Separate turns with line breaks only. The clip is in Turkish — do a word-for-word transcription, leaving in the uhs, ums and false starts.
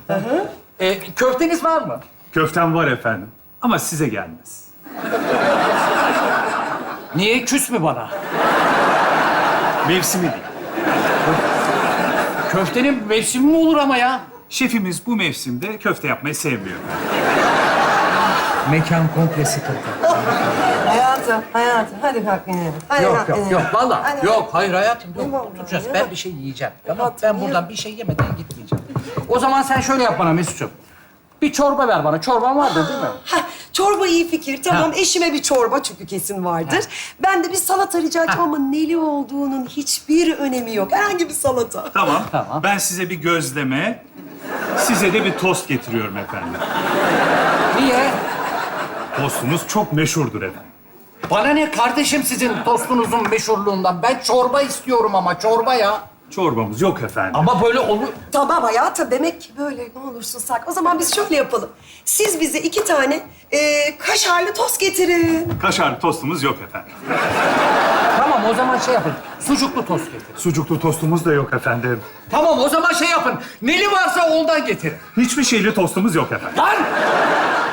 E, köfteniz var mı?
Köftem var efendim. Ama size gelmez.
Niye? Küs mü bana?
Mevsimi değil.
Köftenin mevsimi mi olur ama ya?
Şefimiz bu mevsimde köfte yapmayı sevmiyor.
Mekan komple sıkıntı.
Hayatım, hayatım. Hadi kalk inelim. Hadi
Yok
kalk
yok
inelim.
yok vallahi.
Hadi,
Yok hayır hayatım
Ne
yok.
vallahi
Oturacağız.
ya?
Ben bir şey yiyeceğim. Tamam.
Hayatım,
Ben
niye?
buradan bir şey yemeden gitmeyeceğim. O zaman sen şöyle yap bana Mesut'cum. Bir çorba ver bana. Çorban vardır değil mi?
Heh, çorba iyi fikir. Tamam,
Ha.
eşime bir çorba çünkü kesin vardır. Ben de bir salata rica edeceğim ama neli olduğunun hiçbir önemi yok. Herhangi bir salata.
Tamam.
Tamam.
Ben size bir gözleme, size de bir tost getiriyorum efendim.
Niye?
Tostunuz çok meşhurdur efendim.
Bana ne kardeşim sizin tostunuzun meşhurluğundan? Ben çorba istiyorum ama çorba ya.
Çorbamız yok efendim.
Ama böyle olur.
Tamam hayatım, demek ki böyle ne olursun sak. O zaman biz şöyle yapalım. Siz bize iki tane e, kaşarlı tost getirin.
Kaşarlı tostumuz yok efendim.
Tamam o zaman şey yapın. Sucuklu tost getirin.
Sucuklu tostumuz da yok efendim.
Tamam o zaman şey yapın. Neli varsa ondan getirin.
Hiçbir şeyli tostumuz yok efendim.
Lan!